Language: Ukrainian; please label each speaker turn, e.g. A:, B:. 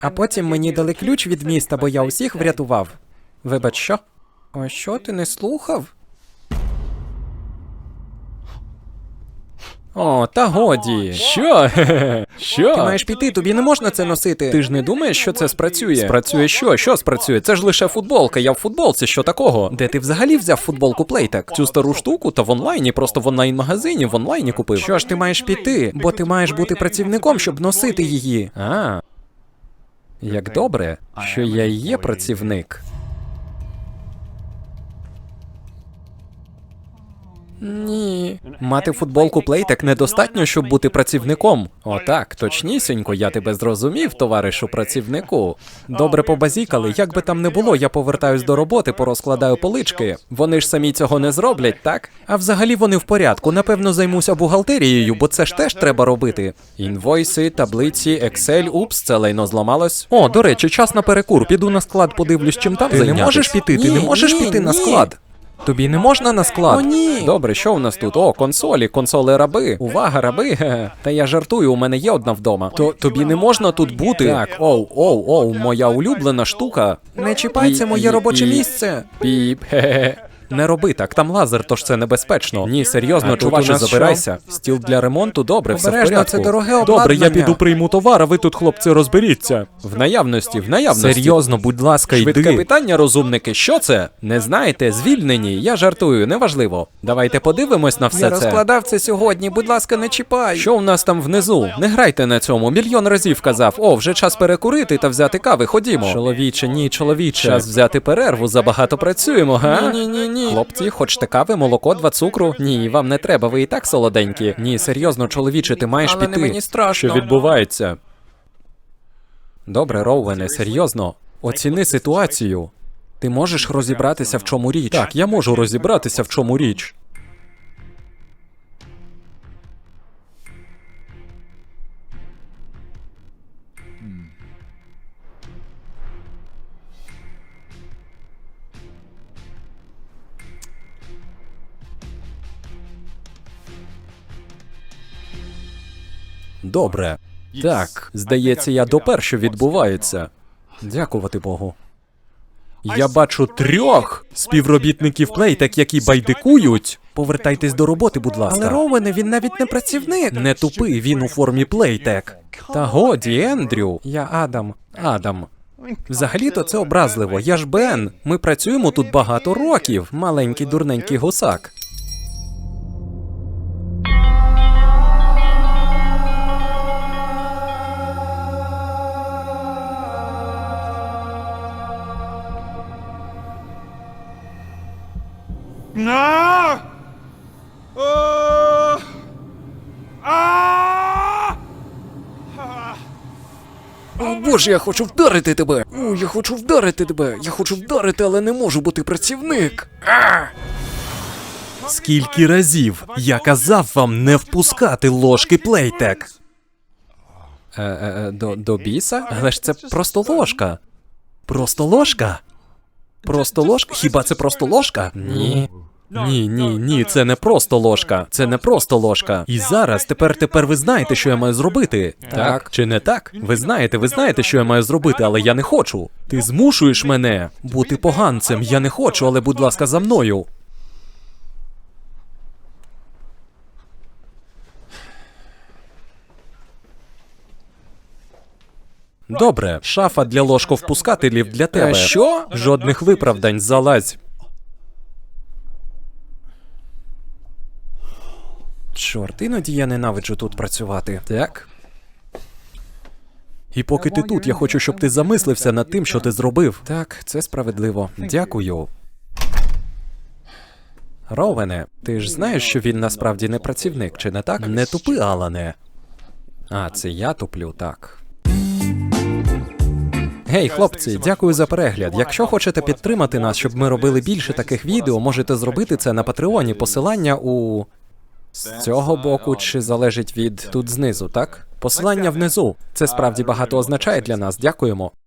A: А потім мені дали ключ від міста, бо я усіх врятував. Вибач, що? А що, ти не слухав? О, та годі. Що? Що? Ти маєш піти, тобі не можна це носити. Ти ж не думаєш, що це спрацює? Спрацює що? Що спрацює? Це ж лише футболка, я в футболці, що такого? Де ти взагалі взяв футболку Playtech? Цю стару штуку? Та в онлайні, просто в онлайн-магазині, в онлайні купив. Що ж ти маєш піти? Бо ти маєш бути працівником, щоб носити її. А, як добре, що я і є працівник. Ні. Мати футболку Playtech недостатньо, щоб бути працівником. Отак, точнісінько, я тебе зрозумів, товаришу працівнику. Добре побазікали, як би там не було, я повертаюсь до роботи, порозкладаю полички. Вони ж самі цього не зроблять, так? А взагалі вони в порядку, напевно займуся бухгалтерією, бо це ж теж треба робити. Інвойси, таблиці, Excel, упс, це лайно зламалось. О, до речі, час на перекур, піду на склад, подивлюсь, чим там зайнятись. Ти не можеш піти, ти не можеш піти на склад. Тобі не можна на склад? О, ні. Добре, що у нас тут? О, консоли раби. Увага, раби. Та я жартую, у мене є одна вдома. То тобі не можна тут бути? Так, оу, моя улюблена штука. Не чіпай, це моє робоче місце. Піп, хе-хе. Не роби так, там лазер, тож це небезпечно. Ні, серйозно, чуваче, забирайся. Стіл для ремонту, добре, все в порядку. Це дороге обладнання. Добре, я піду прийму товар, а ви тут, хлопці, розберіться. В наявності. Серйозно, будь ласка, йди. Швидке питання, розумники, що це? Не знаєте, звільнені, я жартую, неважливо. Давайте подивимось на все це. Я розкладав це сьогодні, будь ласка, не чіпай. Що у нас там внизу? Не грайте на цьому, мільйон разів казав. О, вже час перекурити та взяти кави, ходімо. Чоловіче, ні, чоловіче. Час взяти перерву, забагато працюємо, га? Ні. Хлопці, хочете кави, молоко, 2 цукру? Ні, вам не треба, ви і так солоденькі. Ні, серйозно, чоловіче, ти маєш піти. Але не мені страшно. Що відбувається? Добре, Роуене, серйозно. Оціни ситуацію. Ти можеш розібратися, в чому річ? Так, я можу розібратися, в чому річ. Добре. Так, здається, я допер, що відбувається. Дякувати Богу. Я бачу 3 співробітників Playtech, які байдикують. Повертайтесь до роботи, будь ласка. Але Роуене, він навіть не працівник. Не тупи, він у формі Playtech. Та годі, Ендрю. Я Адам. Взагалі-то це образливо. Я ж Бен. Ми працюємо тут багато років. Маленький дурненький гусак. О, Боже, я хочу вдарити тебе! Я хочу вдарити тебе! Я хочу вдарити, але не можу, бо ти працівник! Скільки разів я казав вам не впускати ложки Playtech? До біса? Але ж це просто ложка. Просто ложка? Просто ложка? Хіба це просто ложка? Ні. Ні, це не просто ложка. Це не просто ложка. І зараз, тепер ви знаєте, що я маю зробити. Так чи не так? Ви знаєте, що я маю зробити, але я не хочу. Ти змушуєш мене бути поганцем. Я не хочу, але будь ласка, за мною. Добре, шафа для ложковпускателів для тебе. Що? Жодних виправдань, залазь. Чорт, іноді я ненавиджу тут працювати. Так? І поки ти тут, я хочу, щоб ти замислився над тим, що ти зробив. Так, це справедливо. Дякую. Роуене, ти ж знаєш, що він насправді не працівник, чи не так? Не тупи, Алане. А, це я туплю, так. Гей, хлопці, дякую за перегляд. Якщо хочете підтримати нас, щоб ми робили більше таких відео, можете зробити це на Патреоні. Посилання у... З цього боку чи залежить від... Тут знизу, так? Посилання внизу. Це справді багато означає для нас. Дякуємо.